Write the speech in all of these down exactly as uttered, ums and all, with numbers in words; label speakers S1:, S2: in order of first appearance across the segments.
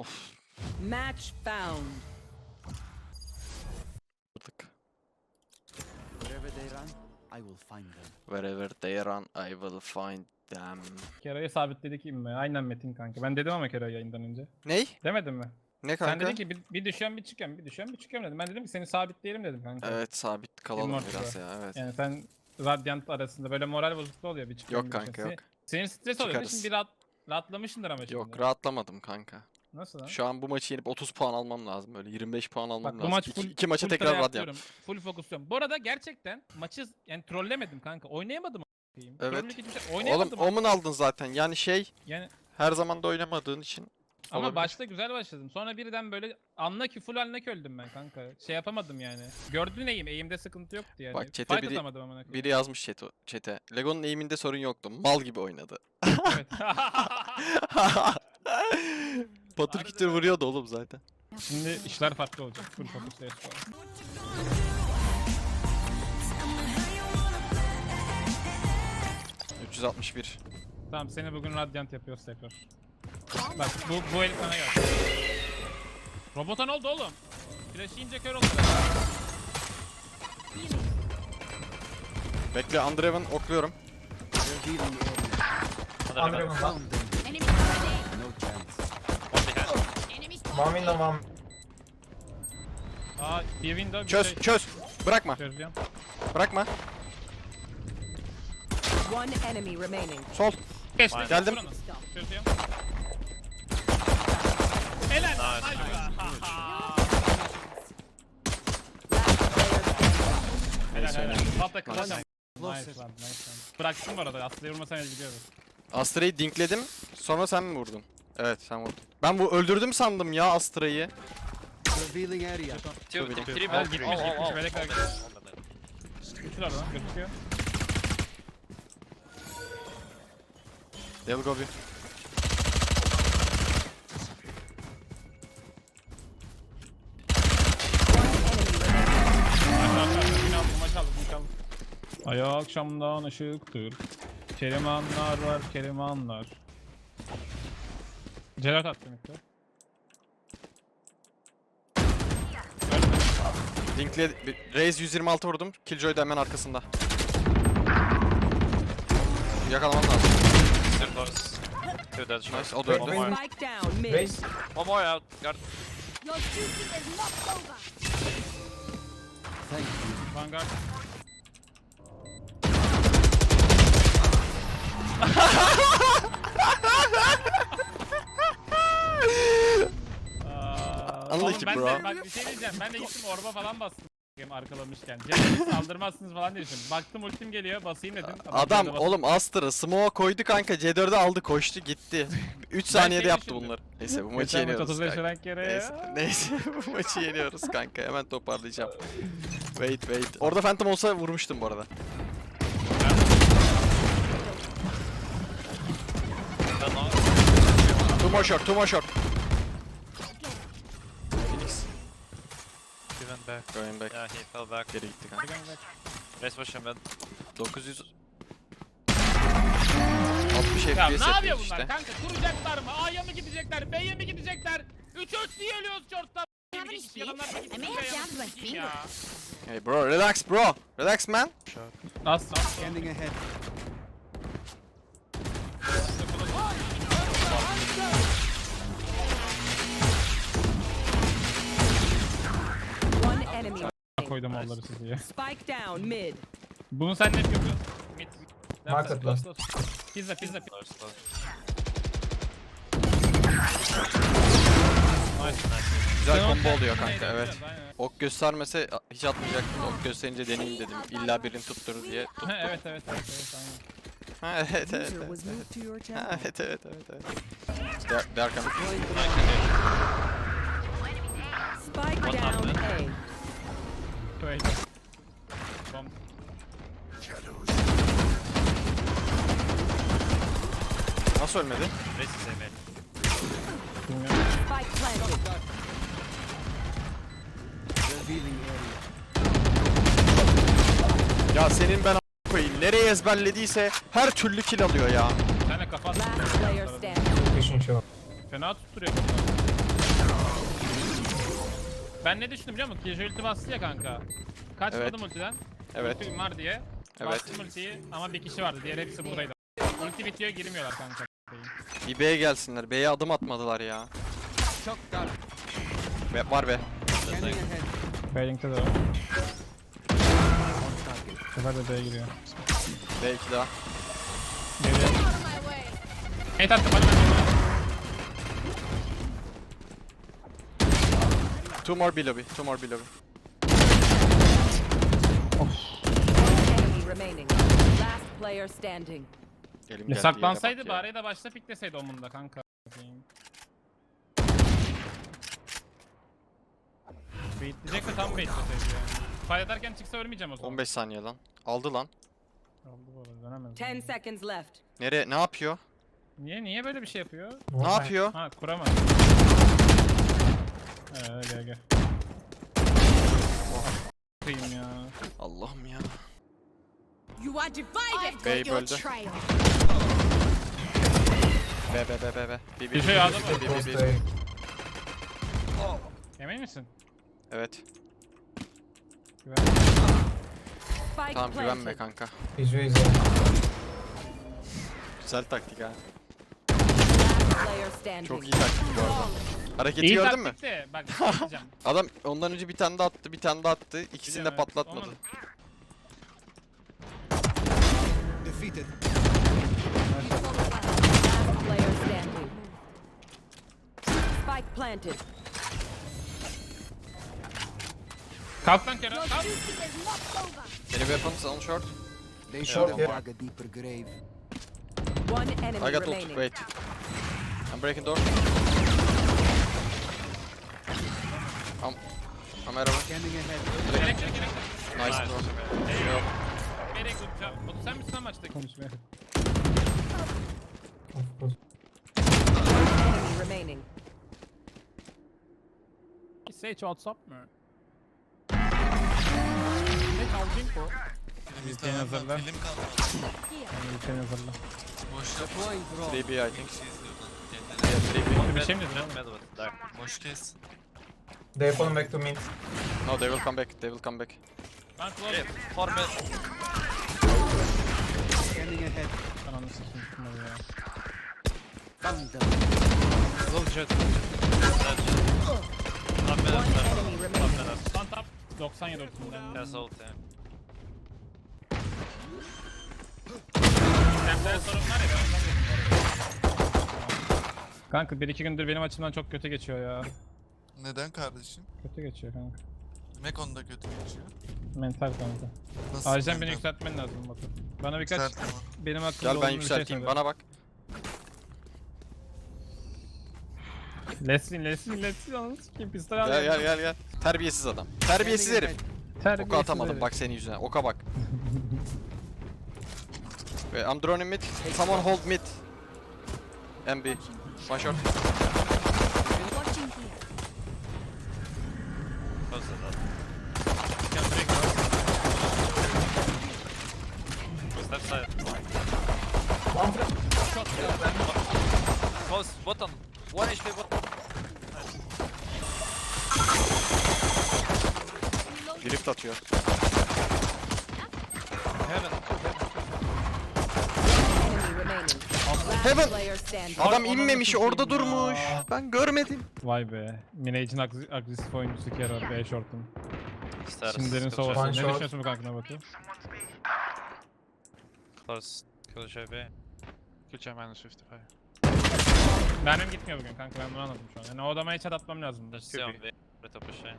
S1: Of.
S2: Match found.
S3: Wherever they run, I will find them.
S1: Wherever they run, I will find them.
S4: Kero'yu sabitledik mi? Aynen Metin kanka. Ben dedim ama Kero'yu yayından önce.
S1: Ney?
S4: Demedim mi?
S1: Ne kanka?
S4: Sen dedin ki bir, bir düşüyorum bir çıkıyorum, bir düşüyorum bir çıkıyorum dedim. Ben dedim ki seni sabitleyelim dedim kanka.
S1: Evet, sabit kalalım
S4: Immortal'da.
S1: biraz ya, evet.
S4: Yani sen Radiant arasında böyle moral bozukluğu oluyor bir çıkıyorum
S1: Yok
S4: bir
S1: kanka,
S4: çıkıyorum.
S1: yok.
S4: Senin stres oluyor.
S1: Çıkarız.
S4: Şimdi bir rahat, rahatlamışsındır ama şimdi.
S1: Yok, rahatlamadım kanka.
S4: Nasıl lan?
S1: Şu an bu maçı yenip otuz puan almam lazım, böyle yirmi beş puan almam
S4: Bak
S1: lazım.
S4: bu maç
S1: İki,
S4: full,
S1: iki maça
S4: full
S1: tekrar
S4: try
S1: Radiant.
S4: atıyorum. Full fokusluyorum. Bu arada gerçekten maçı yani trollemedim kanka. Oynayamadım a**ayım.
S1: Evet.
S4: Trollük hiçbir şey
S1: Oğlum
S4: oynayamadım.
S1: Omen aldın zaten, yani şey,
S4: Yani
S1: her zaman da oynamadığın için.
S4: ama
S1: olabilir.
S4: başta güzel başladım. Sonra birden böyle anla ki full anla ki öldüm ben kanka. Şey yapamadım yani. Gördün eğim. Eğimde sıkıntı yoktu yani.
S1: Bak, chat'e
S4: Fight
S1: biri-
S4: atamadım amına koyayım.
S1: Biri yazmış chat'e. chat'e. Lego'nun eğiminde sorun yoktu. Mal gibi oynadı.
S4: Evet.
S1: Patır kütür vuruyordu oğlum zaten.
S4: Şimdi işler farklı olacak. Full focus D S falan.
S1: üç yüz altmış bir.
S4: Tamam seni bugün Radiant yapıyoruz tekrar. Bak bu bu el sana gel. Robota ne oldu oğlum? Flash yiyince kör oldu.
S1: Bekle, Andreven okluyorum.
S3: They're healing area.
S5: Andrew var.
S3: Found them.
S6: Enemy spotted.
S3: No chance.
S6: Enemy
S5: Mami
S6: spotted.
S5: de mam.
S4: Aa bir window bir
S1: Çöz,
S4: şey.
S1: çöz. Bırakma,
S4: Çözeceğim.
S1: bırakma.
S2: One enemy remaining.
S1: Sol.
S4: Geçti.
S1: Geldim.
S4: Buranın. Çözüyorum. Helal. Hadi be. Helal helal. Hatta kılacağım. Nice lan, nice lan. Bıraktım bu arada. Aslı'ya vurmasam el gidiyordu.
S1: Astra'yı dinkledim. Sonra sen mi vurdun? Evet, sen vurdun. Ben bu öldürdüm sandım ya Astra'yı.
S3: Revealing area.
S7: Two,
S1: Tabii,
S7: two,
S1: tabii.
S7: three
S4: Al
S7: back.
S4: gitmiş
S7: Oh, oh,
S4: gitmiş.
S7: oh.
S4: Melekler gitmiş. Üçler lan gözüküyor.
S1: Del Gobi. Ay akşamdan ışıktır. Kelimanlar var, kelimanlar. Celat attım ilk de. Dinkle... Raze yüz yirmi altı vurdum. Killjoy da hemen arkasında. Yakalaman lazım.
S7: Still close. Two dead short.
S1: Nice, o da öldü.
S7: One more.
S2: Spike down mid.
S5: Race.
S7: One more out. Got
S6: Your duty is not over.
S3: Thank you.
S4: Vanguard. Aa,
S1: Unlucky
S4: oğlum ben
S1: bro.
S4: de bak bir şey diyeceğim. Ben de gittim orba falan bastım. Arkalamışken. Cem'e saldırmazsınız falan diye düşündüm. Baktım ultim geliyor basayım dedim.
S1: Adam
S4: Cem'e bastım.
S1: oğlum Astra smoke'a koydu kanka, C dört'ü aldı koştu gitti. üç saniyede
S4: şey
S1: yaptı
S4: düşündüm.
S1: bunları. Neyse bu maçı
S4: Geçen maç
S1: yeniyoruz
S4: otuz beş
S1: kanka.
S4: rank yere
S1: Neyse,
S4: ya.
S1: neyse bu maçı yeniyoruz kanka, hemen toparlayacağım. Wait wait. Orada Phantom olsa vurmuştum bu arada. Two more short, two more short. Phoenix
S7: He went back.
S1: going back.
S7: Yeah, he fell back.
S1: Geri gitti kanka.
S7: Race push him mid.
S1: dokuz yüz altmış
S4: Ya
S1: F P S
S4: ne
S1: yapıyor
S4: yapıyor bunlar
S1: işte.
S4: kanka? Kuracaklar mı? A'ya mı gidecekler? B'ye mi gidecekler? üç üç diye ölüyoruz short'tan.
S6: Have any speed? I may have jammed my finger.
S1: Hey bro, relax bro. Relax man.
S4: As as.
S3: Scanning ahead.
S2: One enemy.
S4: Koydum onları sizi ya.
S2: Spike down mid.
S4: Bunu sen ne yapıyorsun? Mid.
S5: Market last.
S4: Pizza pizza pizza.
S7: Close, close.
S4: Nice.
S1: Güzel
S4: Sen
S1: combo
S4: onu-
S1: oluyor
S4: Aynen,
S1: kanka, evet.
S4: aynen.
S1: Ok göstermese hiç atmayacaktım. Ok gösterince deneyeyim dedim. İlla birini tutturur diye. Tuttu.
S4: Ha, evet evet evet evet aynen.
S1: Ha, evet evet
S2: User
S1: evet.
S2: was moved to your
S1: Ha,
S2: channel.
S1: evet evet evet evet. They, they are coming.
S2: Spike
S7: What
S2: down
S7: happened?
S2: A.
S4: Wait. Bomb.
S1: Nasıl ölmedi?
S7: Race is A mid.
S4: Bilmiyorum.
S2: Spike planted.
S3: Revealing area.
S1: Ya senin ben a- koyayım. Nereye ezberlediyse her türlü kill alıyor ya.
S4: Bir tane kafa attım.
S2: Last player standing.
S5: Pushing short.
S4: Fena tutturuyor. Ben ne düşündüm biliyor musun? Killjoy ulti bastı ya kanka. Kaçmadım
S1: Evet.
S4: ultiden.
S1: Evet.
S4: Ultim var diye.
S1: Evet.
S4: Bastım ultiyi ama bir kişi vardı. Diğer hepsi buradaydı. Ulti bitiyor girmiyorlar kanka.
S1: Bir B'ye gelsinler. B'ye adım atmadılar ya.
S3: Shock dart.
S1: Be var be.
S3: Scanning ahead.
S4: Bailing'de de var. Bu sefer de B'ye giriyor.
S1: B iki daha.
S4: Geliyor.
S6: Out of my way.
S4: Hate attım hadi ben.
S1: Two more B lobby. Two more B lobby.
S2: Enemy remaining. Last player standing.
S1: Elim
S4: Ya
S1: geldi,
S4: saklansaydı
S1: yere bak ya.
S4: bari de başta pikleseydi omunda kanka. Baitleyecekse tam baitleseydi yani. Fight ederken çıksa ölmeyeceğim o zaman.
S1: on beş saniye lan. Aldı lan.
S4: Oldu bu arada dönemez.
S2: Ten seconds left.
S1: Nereye? Ne yapıyor?
S4: Niye niye böyle bir şey yapıyor?
S1: Ne yapıyor?
S4: Ha kuramaz. Eee gel gel. Kıyım ya.
S1: Allah'ım ya.
S6: You are divided. I've
S1: Bey
S6: got your
S1: böldü.
S6: trail.
S1: B B B B B. B
S4: Bir şey aldı mı?
S1: B B B.
S4: Emin misin?
S1: Evet.
S4: Güven.
S2: Spike
S1: Tamam güvenme
S2: planted.
S1: kanka.
S5: Visualize.
S1: Güzel taktik ha.
S2: Last player standing.
S1: Çok iyi taktik bu arada. Hareketi
S4: İyi
S1: gördün mü?
S4: taktik de bak bir şey diyeceğim.
S1: Adam ondan önce bir tane daha attı, bir tane daha attı. İkisini de
S4: Biliyorum, evet.
S1: patlatmadı.
S4: Onun-
S3: Defeated.
S2: Last player standing. Spike planted.
S4: Kalk lan Kerem
S6: Your
S4: kalk.
S6: duty is not over.
S1: Any weapons on short?
S3: They
S5: Short,
S3: should
S5: yeah.
S3: have dug a deeper grave.
S2: One enemy
S1: I got ult.
S2: remaining.
S1: Wait. I'm breaking door. I'm I'm out of
S3: Scanning ahead.
S4: Elektrik elektrik.
S1: Nice
S7: Nice.
S1: door.
S4: Eyvah. Nereye kuracağım? Batu sen misin lan maçta? Konuşmaya.
S5: Of course.
S2: Enemy remaining.
S4: Sage WhatsApp mı? Ne kaldın bu? Ülkenin hazırla.
S8: Film kaldı.
S4: Ülkenin hazırla.
S8: Boş yap.
S3: Deploying drone.
S1: three B I think.
S8: Bir şey izliyordun.
S1: Yeah, three B.
S4: Bir şey mi dedin?
S7: Jet mid with dark.
S8: Boş kes.
S5: They falling back to mid.
S1: No, they will come back. They will come back.
S4: Ben close.
S7: Yeah, four mid.
S3: Scanning ahead.
S4: Ananı sikeyim şunları ya.
S3: Found them.
S7: Low jet. Dead jet. Top mid.
S2: One
S7: Top
S2: enemy
S7: mid.
S2: remaining.
S4: Stand up. doksan yedi ultimden.
S7: Yes, ult yeah.
S4: Senden sorun var ya ben ondan dedim bu arada. Kanka bir iki gündür benim açımdan çok kötü geçiyor ya.
S8: Neden kardeşim?
S4: Kötü geçiyor kanka.
S8: Mekon da kötü geçiyor.
S4: Mental kanka.
S8: Nasıl?
S4: Acilen beni
S8: mental?
S4: yükseltmen lazım Batu. Bana birkaç
S8: Yükselt ama.
S4: benim hakkımda
S1: Gel ben
S4: olumlu bir şey
S1: yükselteyim.
S4: söyle.
S1: Bana bak.
S4: Lesin lesin lesin ananı sikeyim pistol
S1: Gel
S4: alıyorum.
S1: gel gel gel. Terbiyesiz adam. Terbiyesiz
S3: Scanning
S1: herif.
S3: ahead.
S4: Terbiyesiz
S1: Oka atamadım
S4: herif.
S1: bak senin yüzüne. Oka bak. Wait, I'm droning mid. Someone hold mid. M B. One shot.
S6: Watching here.
S7: Close to that.
S4: Can break out.
S7: Left side.
S5: One flash.
S7: Close. Bottom. One H P bottom.
S1: Drift atıyor.
S7: Heaven.
S2: Enemy remaining. Last
S1: Heaven.
S2: player standing.
S1: Adam
S4: Ananı
S1: inmemiş
S4: sikeyim
S1: orada
S4: ya.
S1: durmuş. Ben görmedim.
S4: Vay be. Minage'in agres- agresif oyuncusu Kero B short'un.
S7: Stairs.
S4: Şimdilerin
S7: Kill
S4: sovası.
S5: One
S4: Ne
S5: shot.
S4: düşünüyorsun bu kankına Batu?
S7: Close. Kill J B.
S8: Geçen minus elli beş.
S4: Benim gitmiyor bugün kanka ben bunu anladım şu an. Yani o adama hiç atmam lazım.
S7: There's two on B. Right up pushing.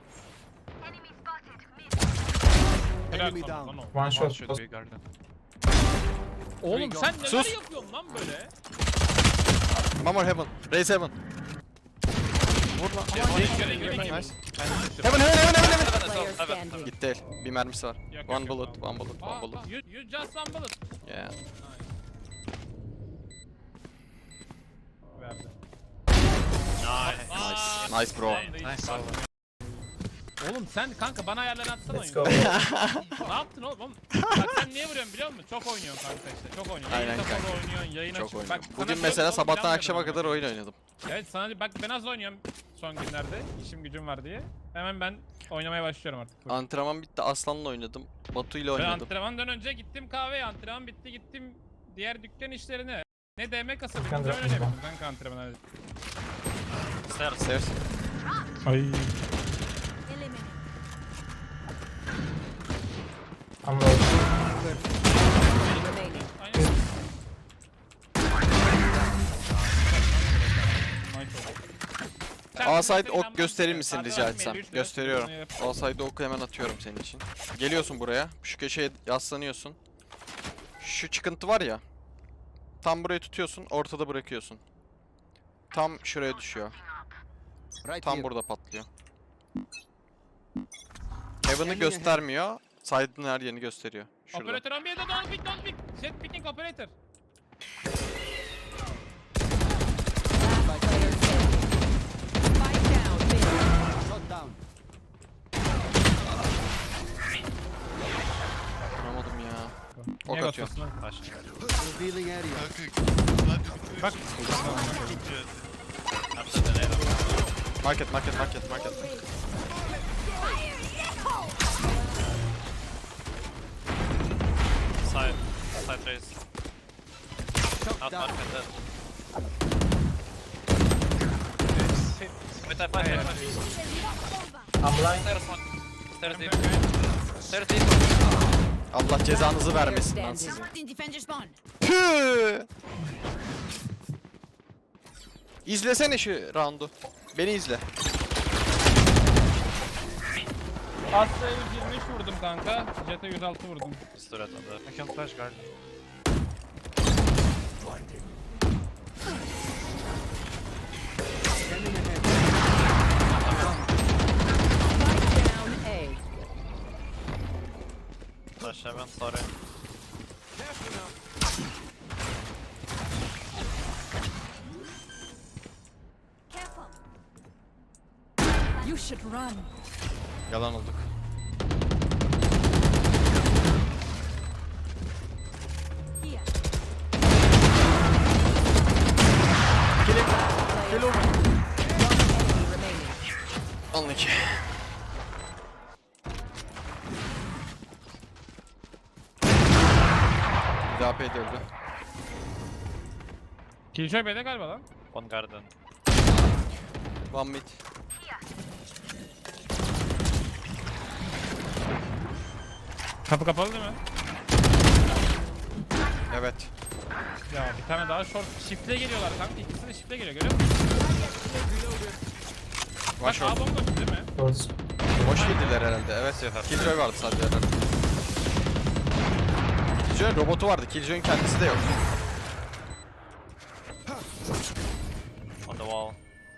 S4: Helal
S3: Enemy
S4: sana
S3: down.
S4: lan oğlum.
S5: One shot.
S8: Should
S5: Close.
S8: be garden.
S4: Oğlum sen neler
S1: Sus.
S4: yapıyorsun lan böyle?
S1: One more heaven. Raise heaven. Vur lan.
S4: Göre göre
S1: Nice.
S4: gibi.
S1: Heaven heaven heaven heaven heaven.
S2: Last player
S7: Heaven,
S2: standing.
S1: Gitti el. Bir mermisi var.
S4: Yok, yok,
S1: One
S4: yok,
S1: bullet,
S4: tamam.
S1: one bullet, one
S4: Aa,
S1: bullet.
S4: aa, You, you just one bullet.
S1: Yeah.
S4: Verdi.
S7: Nice.
S1: Nice bro.
S7: Nice.
S4: Oğlum sen kanka bana ayarları atsana
S5: Let's
S4: oyunu.
S5: go.
S4: Ne yaptın oğlum? Oğlum, Bak sen niye vuruyorsun biliyor musun? Çok oynuyorsun kanka işte. Çok oynuyorsun.
S1: Aynen
S4: Yayın kapalı
S1: kanka.
S4: oynuyorsun, yayın
S1: Çok
S4: açık.
S1: oynadım.
S4: Bak, sana
S1: Bugün
S4: çok
S1: mesela
S4: oyun
S1: sabahtan
S4: planladım
S1: akşama
S4: ama.
S1: kadar oyun oynadım.
S4: Evet sana bak ben az oynuyorum son günlerde. İşim gücüm var diye. Hemen ben oynamaya başlıyorum artık.
S1: Antrenman bitti, Aslan'la oynadım. Batu ile
S4: Ben
S1: oynadım.
S4: antrenmandan önce gittim kahveye, antrenman bitti gittim diğer dükkan işlerine. Ne D M kasabı
S5: Dükkan
S4: öyle
S5: bırakmış
S4: yapıyordum kanka antrenman.
S7: Stairs.
S1: Stairs.
S4: Ay.
S6: Eliminate.
S5: I'm low.
S2: Remaining.
S4: Aynen.
S1: A side ok gösterir misin rica etsem? Gösteriyorum. A side oku hemen atıyorum senin için. Geliyorsun buraya. Şu köşeye yaslanıyorsun. Şu çıkıntı var ya. Tam burayı tutuyorsun, ortada bırakıyorsun. Tam şuraya düşüyor.
S3: Right
S1: Tam
S3: here.
S1: burada patlıyor. Heaven'ı göstermiyor. Side'ın her yerini gösteriyor. Şurada.
S4: Operatör on bir'de don't pick don't pick. Jet picking operator.
S2: Last player standing. Spike down mid.
S3: Shot down.
S1: Vuramadım ya. Ok
S4: Niye
S1: atıyor.
S4: basıyorsun?
S7: Flash.
S3: Revealing area.
S8: Kanka hadi.
S4: Bak.
S7: After the nade.
S1: Market, market, market, market.
S7: Side. Side raise.
S3: Shot
S7: Out
S3: down.
S7: market dead. Wait, I fight, I fight.
S5: I'm blind.
S7: Stairs one. Stairs deep. Stairs deep.
S1: Allah cezanızı
S2: Player
S1: vermesin lan
S2: standing.
S1: sizi.
S6: In defender spawn.
S1: Püh! İzlesene şu roundu. Beni izle.
S4: Aslı'ya yüz yirmi üç vurdum kanka. Jet'e yüz altı vurdum.
S7: Stood at on the.
S8: I can flash guard.
S3: Scanning ahead.
S2: Spike down A.
S7: Flash heaven, sorry.
S6: Careful.
S2: You should run.
S1: Yalan olduk.
S6: Here.
S1: Gel oğlum.
S2: Enemy remaining.
S1: Alın iki. Bir daha A P de öldü.
S4: Killjoy B'de galiba lan.
S7: One garden.
S1: One mid.
S4: Kapı kapalı değil mi?
S1: Evet.
S4: Ya bir tane daha short shift'le geliyorlar kanka. İkisi de shift'le geliyor görüyor musun?
S1: One
S4: Bak A
S1: short.
S4: bomboş değil mi?
S5: Close.
S1: Boş girdiler herhalde. Evet. Killjoy vardı sadece herhalde. Killjoy'un robotu vardı. Killjoy'un kendisi de yok.
S7: On the wall.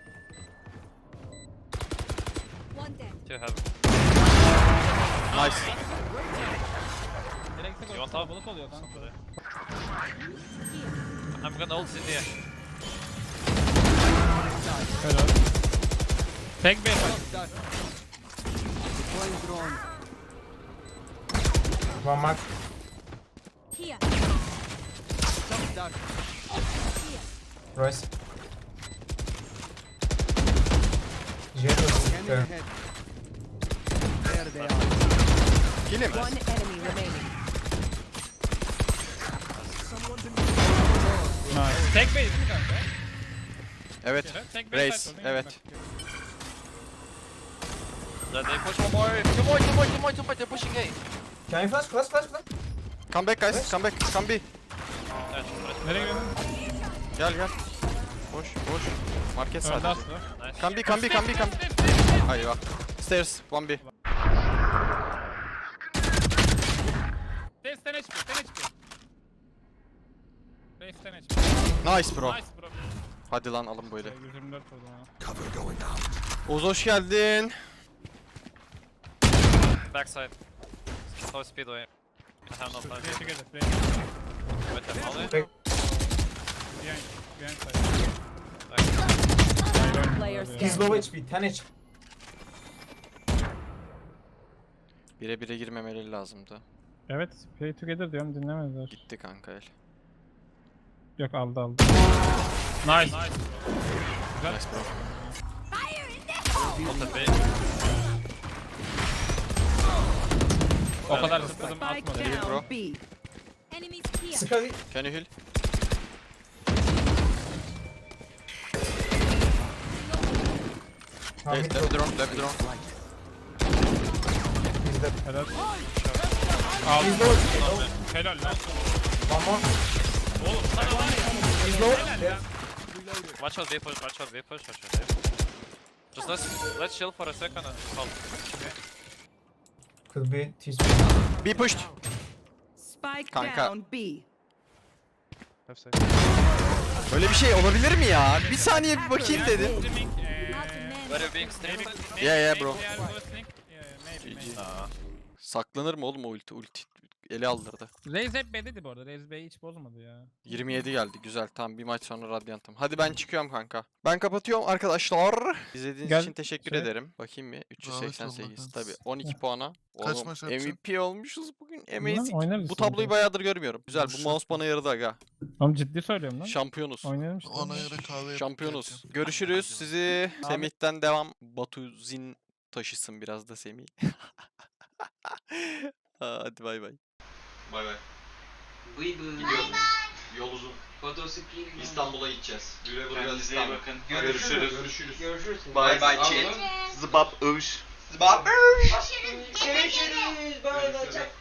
S6: One dead.
S7: Two heaven.
S1: Nice.
S4: Direkte
S7: You
S4: koy.
S7: want top?
S4: Kalabalık oluyor kanka.
S7: Somebody. I'm gonna ult city.
S4: Helal. Tek B var.
S3: Shot down. Deploying drone.
S5: One mark.
S6: Here.
S3: Shot down.
S5: Royce. Jet was
S3: Scanning
S5: there.
S3: ahead. There they are.
S1: Kill him.
S2: One enemy remaining.
S4: Nice. Tek B değil mi kanka?
S1: Evet.
S4: Tek B
S1: Race.
S4: site oldu,
S1: Evet.
S4: bak.
S7: Then they push one more. Two more, two more, two more, two more. They're pushing A.
S5: Can you flash? Flash, flash, flash.
S1: Come back guys. Come back. Come B.
S7: Yeah, flash.
S4: Nereye gidiyorsun?
S1: Gel gel. Boş boş. Market
S4: Öldü
S1: sadece.
S4: Aslı.
S7: Nice.
S1: Come B, come B, come B, come.
S4: Stairs, stairs, stairs.
S1: Hayır bak. Stairs. One B.
S4: Stairs, ten H P, ten H P. Race ten H P.
S1: Nice bro.
S4: Nice bro.
S1: Hadi lan alın böyle.
S4: yüz yirmi dört vurdum ha.
S1: Oğuz hoş geldin.
S7: Backside. Slow speedway. I have no time.
S4: Play together, play.
S7: With them molly.
S4: Behind, behind side.
S2: Player
S5: He's
S2: standing.
S5: low H P, ten H P.
S1: Bire bire girmemeleri lazımdı.
S4: Evet, play together diyorum dinlemediler.
S1: Gitti kanka el.
S4: Yok aldı aldı. Nice. Nice. Güzel.
S1: Nice bro.
S7: On the B.
S4: O kadar zıpladım
S2: Spike
S4: atmadı.
S1: Geliyor bro.
S2: down B.
S6: Enemies here.
S5: Sky.
S1: Can you heal?
S5: Tamam,
S1: Hey,
S5: mid
S1: left
S5: drop.
S1: drone, left drone.
S5: Bizde.
S4: Helal. Aldım. Helal lan.
S5: One more.
S7: Oğlum sana var ya.
S5: He's low.
S4: Helal
S5: Yeah.
S4: ya.
S7: Watch out, B push, watch out, B push, watch out, B. Just let's let's chill for a second and hold.
S5: Could be T-space.
S1: Be pushed.
S2: Spike
S1: Kanka.
S2: down B.
S7: Left side.
S1: Böyle bir şey olabilir mi ya? Bir saniye bir bakayım dedim.
S4: Streaming,
S6: Not
S4: eee,
S6: a man.
S7: Where you being stable?
S4: maybe-
S1: Yeah, yeah,
S4: maybe
S1: bro.
S4: they are listening. Yeah, maybe,
S1: G G.
S4: maybe.
S7: Nah.
S1: Saklanır mı oğlum o ulti? Ulti ele aldırdı.
S4: Raze hep B'deydi bu arada. Raze B'yi hiç bozmadı ya.
S1: yirmi yedi geldi güzel. Tamam bir maç sonra Radiant'ım. Hadi ben çıkıyorum kanka. Ben kapatıyorum arkadaşlar. İzlediğiniz
S4: Gel,
S1: için teşekkür
S4: şey-
S1: ederim. Bakayım bir üç yüz seksen sekiz
S8: Zahmet
S1: tabi
S8: olmaz.
S1: on iki puana.
S8: Kaç
S1: Oğlum
S8: maç
S1: M V
S8: yapacaksın?
S1: P olmuşuz bugün.
S4: Bilmem,
S1: Amazing.
S4: oynarız
S1: Bu
S4: şimdi.
S1: tabloyu bayağıdır görmüyorum. Güzel bu
S8: Boş
S1: mouse bana yaradı aga.
S4: Oğlum ciddi söylüyorum lan.
S1: Şampiyonuz.
S4: Oynayalım işte.
S8: Ona göre kahve yapıp
S1: Şampiyonuz.
S8: geleceğim.
S1: Görüşürüz. Sizi
S4: Abi-
S1: Semih'ten devam. Batuzin taşısın biraz da Semih. Aa, hadi bay bay. Bay bay. Gidiyorum. Yol uzun. İstanbul'a gideceğiz. Güle güle İstanbul. Bakın. Görüşürüz. Görüşürüz. Görüşürüz. Bay bay chat. Zıbap övüş. Zıbap övüş.
S6: Görüşürüz.
S1: Görüşürüz.